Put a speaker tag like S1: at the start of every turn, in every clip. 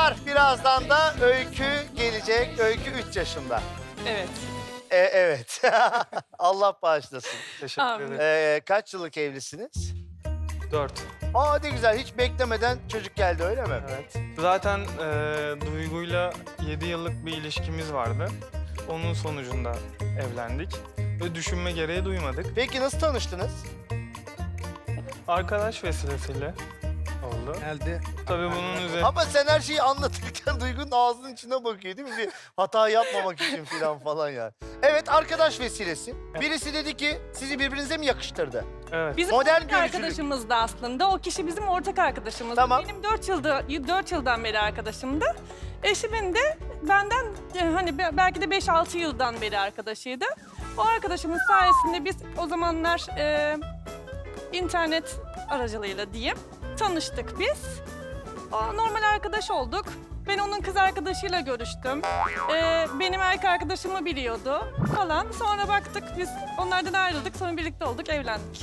S1: var. Birazdan da Öykü gelecek. Öykü 3 yaşında.
S2: Evet.
S1: Evet. Allah bağışlasın.
S3: Teşekkür
S2: Amin.
S3: ederim.
S1: Kaç yıllık evlisiniz?
S3: 4.
S1: Aa ne güzel. Hiç beklemeden çocuk geldi öyle mi?
S3: Evet. Zaten Duygu'yla 7 yıllık bir ilişkimiz vardı. Onun sonucunda evlendik. Ve düşünme gereği duymadık.
S1: Peki nasıl tanıştınız?
S3: Arkadaş vesilesiyle oldu.
S4: Geldi.
S3: Tabii bunun üzerine...
S1: Ama sen her şeyi anlatırken Duygu'nun ağzının içine bakıyor değil mi? Bir hata yapmamak için falan yani. Evet arkadaş vesilesi. Birisi dedi ki sizi birbirinize mi yakıştırdı?
S3: Evet.
S2: Bizim
S1: Modern
S2: ortak
S1: görücülük.
S2: arkadaşımızdı aslında. O kişi bizim ortak arkadaşımızdı.
S1: Tamam.
S2: Benim 4 yıldan beri arkadaşımdı. Eşimin de benden hani belki de 5-6 yıldan beri arkadaşıydı. O arkadaşımız sayesinde biz o zamanlar internet aracılığıyla diyeyim tanıştık biz. O normal arkadaş olduk. Ben onun kız arkadaşıyla görüştüm. Benim erkek arkadaşımı biliyordu falan. Sonra baktık biz onlardan ayrıldık. Sonra birlikte olduk, evlendik.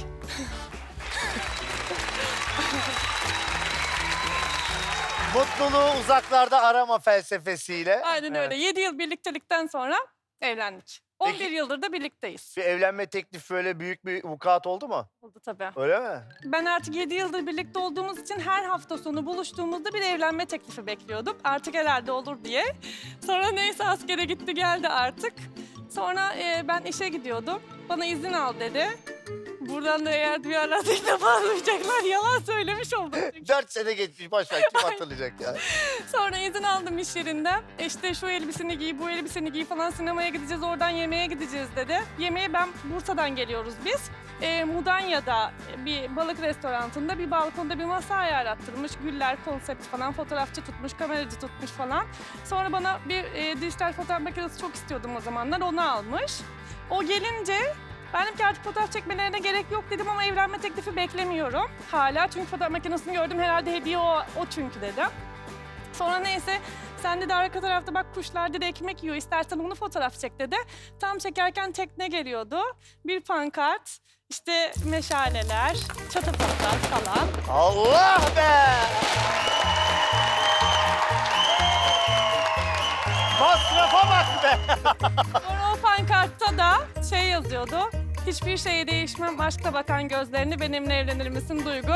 S1: Mutluluğu uzaklarda arama felsefesiyle.
S2: Aynen
S3: Evet.
S2: öyle. 7 yıl birliktelikten sonra evlendik. 11
S1: Peki-
S2: yıldır da birlikteyiz.
S1: Bir evlenme teklifi böyle büyük bir vukuat oldu mu?
S2: Oldu tabii.
S1: Öyle mi?
S2: Ben artık 7 yıldır birlikte olduğumuz için her hafta sonu buluştuğumuzda bir evlenme teklifi bekliyordum. Artık herhalde olur diye. Sonra neyse askere gitti geldi artık. Sonra ben işe gidiyordum. Bana izin al dedi. Buradan da eğer bir ara teklif almayacaklar yalan söylemiş oldum.
S1: 4 sene geçmiş boş ver kim hatırlayacak ya.
S2: Sonra izin aldım iş yerinden. İşte şu elbiseni giy, bu elbiseni giy falan sinemaya gideceğiz, oradan yemeğe gideceğiz dedi. Yemeğe Bursa'dan geliyoruz biz. Mudanya'da bir balık restoranında bir balkonda bir masa ayarlattırmış. Güller, konsept falan, fotoğrafçı tutmuş, kameracı tutmuş falan. Sonra bana bir dijital fotoğraf makinesi çok istiyordum o zamanlar, onu almış. O gelince ben dedim ki artık fotoğraf çekmelerine gerek yok dedim ama evlenme teklifi beklemiyorum hala. Çünkü fotoğraf makinesini gördüm herhalde hediye o çünkü dedim. Sonra neyse sen de arka tarafta bak kuşlar dedi ekmek yiyor istersen onu fotoğraf çek dedi. Tam çekerken tekne geliyordu. Bir pankart, işte meşaleler, çatafatlar falan.
S1: Allah be! Masrafa bak be!
S2: Sonra o pankartta da şey yazıyordu. Hiçbir şeye değişmem aşkla bakan gözlerini benimle evlenir misin Duygu?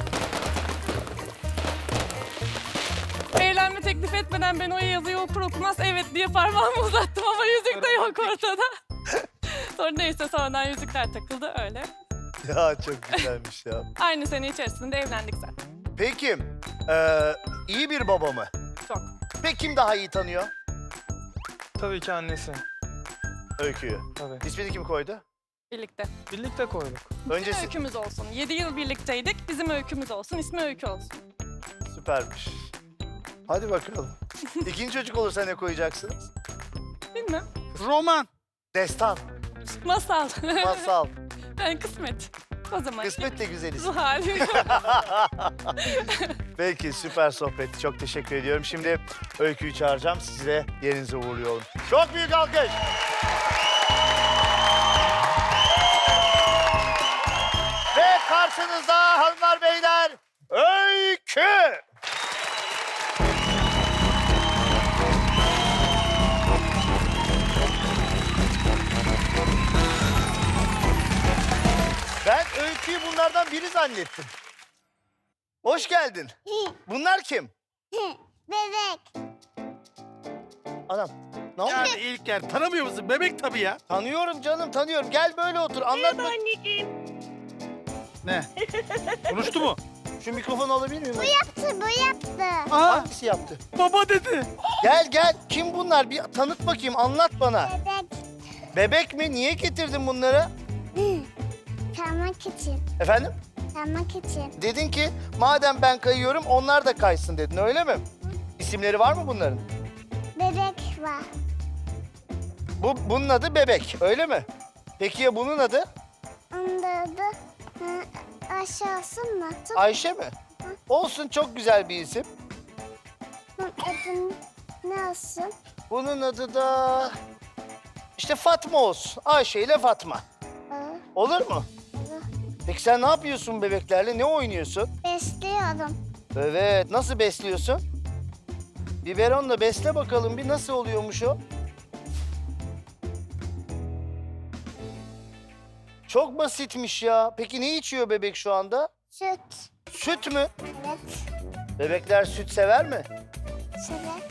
S2: Evlenme teklif etmeden ben o yazıyı okur okumaz evet diye parmağımı uzattım ama yüzük de yok ortada. Sonra neyse sonradan yüzükler takıldı öyle.
S1: Ya çok güzelmiş ya.
S2: Aynı sene içerisinde evlendik zaten.
S1: Peki, iyi bir baba mı?
S2: Çok.
S1: Peki kim daha iyi tanıyor
S3: Tabii ki annesi.
S1: Öykü'yü?
S3: Tabii.
S1: İsmini kim koydu?
S2: Birlikte.
S3: Birlikte koyduk.
S2: Bizim
S1: Öncesi
S2: öykümüz olsun. 7 yıl birlikteydik. Bizim öykümüz olsun. İsmi Öykü olsun.
S1: süpermiş. Hadi bakalım. İkinci çocuk olursa ne koyacaksınız?
S2: Bilmem.
S4: Roman.
S1: Destan,
S2: Masal.
S1: masal,
S2: Yani kısmet. O zaman.
S1: kısmet de güzel isim.
S2: Zuhal.
S1: Peki süper sohbet. Çok teşekkür ediyorum. Şimdi Öykü'yü çağıracağım. Sizi de yerinize uğurluyorum. Çok büyük alkış. Ve karşınızda hanımlar beyler Öykü. Ben Öykü'yü bunlardan biri zannettim. Hoş geldin. Bunlar kim?
S5: Bebek.
S1: Anam. Ne oldu?
S4: Yani ilk yer. Tanımıyor musun? Bebek tabii ya.
S1: Tanıyorum canım tanıyorum. Gel böyle otur anlat bak.
S4: Ne? Konuştu mu?
S1: Şu mikrofonu alabilir miyim?
S5: Bu yaptı.
S4: Aa,
S1: Hangisi yaptı?
S4: baba dedi.
S1: Gel gel. Kim bunlar? Bir tanıt bakayım anlat bana.
S5: Bebek.
S1: Bebek mi? Niye getirdin bunları?
S5: Kalmak için.
S1: Efendim?
S5: Kalmak için.
S1: Dedin ki madem ben kayıyorum onlar da kaysın dedin öyle mi? İsimleri var mı bunların?
S5: Bebek var.
S1: Bunun adı Bebek öyle mi? Peki ya bunun adı?
S5: Onun da adı aşağısı mı?
S1: Ayşe mi? Olsun çok güzel bir isim.
S5: Adın ne olsun?
S1: Bunun adı da işte Fatma olsun. Ayşe ile Fatma. Olur mu?
S5: Olur.
S1: Peki sen ne yapıyorsun bebeklerle? Ne oynuyorsun?
S5: Besliyorum.
S1: Evet. Nasıl besliyorsun? Biberonla besle bakalım bir nasıl oluyormuş o? Çok basitmiş ya. Peki ne içiyor bebek şu anda?
S5: Süt.
S1: Süt mü?
S5: Evet.
S1: Bebekler süt sever mi?
S5: Sever.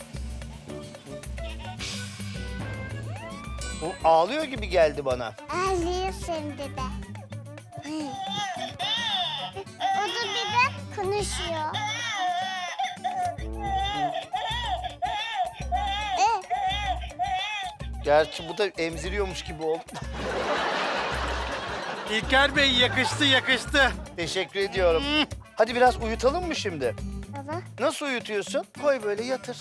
S1: Bu ağlıyor gibi geldi bana.
S5: Ağlıyor şimdi de. O da bir de konuşuyor.
S1: Gerçi bu da emziriyormuş gibi oldu.
S4: İlker Bey yakıştı yakıştı.
S1: Teşekkür ediyorum. Hadi biraz uyutalım mı şimdi?
S5: Baba.
S1: Nasıl uyutuyorsun? Koy böyle yatır.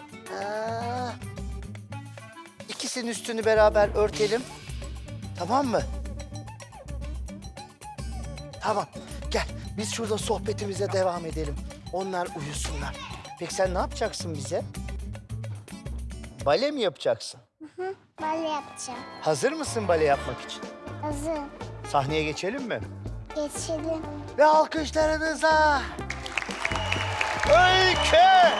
S1: İkisinin üstünü beraber örtelim. Tamam mı? Tamam. Gel biz şurada sohbetimize devam edelim. Onlar uyusunlar. Peki sen ne yapacaksın bize? Bale mi yapacaksın?
S5: Bal yapacağım.
S1: Hazır mısın bale yapmak için?
S5: Hazır.
S1: Sahneye geçelim mi?
S5: Geçelim.
S1: Ve alkışlarınıza Öykü!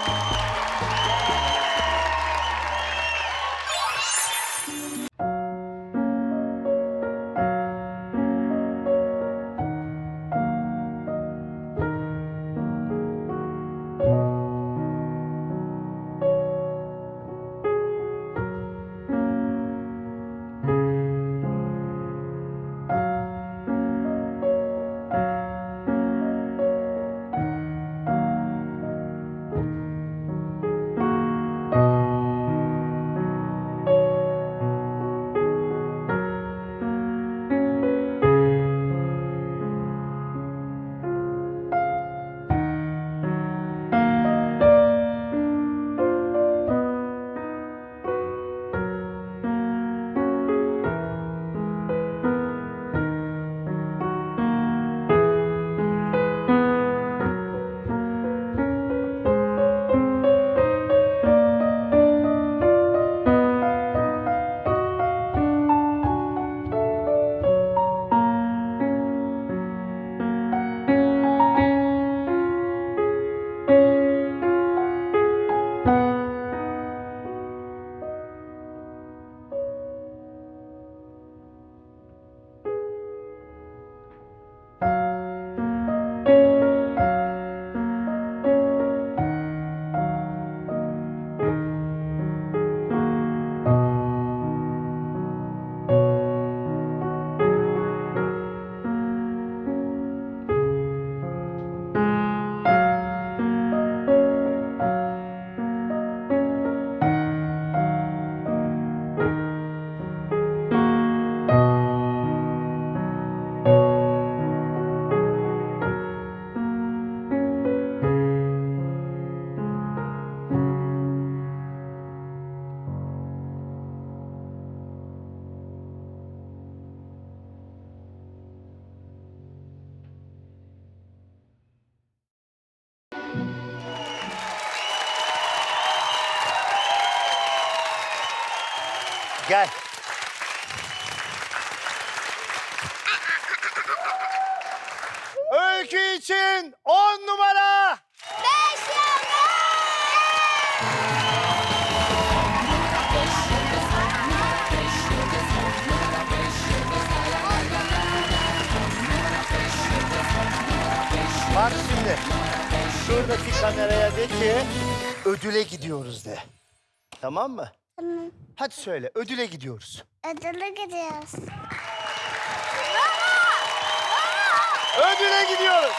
S1: Gel. Öykü için 10 numara.
S5: 5 yıldız.
S1: Bak şimdi. Şuradaki kameraya de ki ödüle gidiyoruz de. Tamam mı?
S5: Tamam.
S1: Hadi söyle ödüle gidiyoruz.
S5: Ödüle gidiyoruz.
S1: Ödüle gidiyoruz.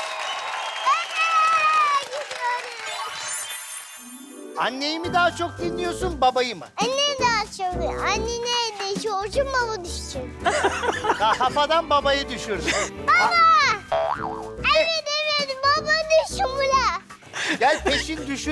S1: Anneyi mi daha çok dinliyorsun babayı mı?
S5: Anne daha çok. Anne neydi? Çocuğum baba düşecek.
S1: Kafadan babayı düşürdün.
S5: Anne demedim. Baba düşün bula.
S1: Gel peşin düşür.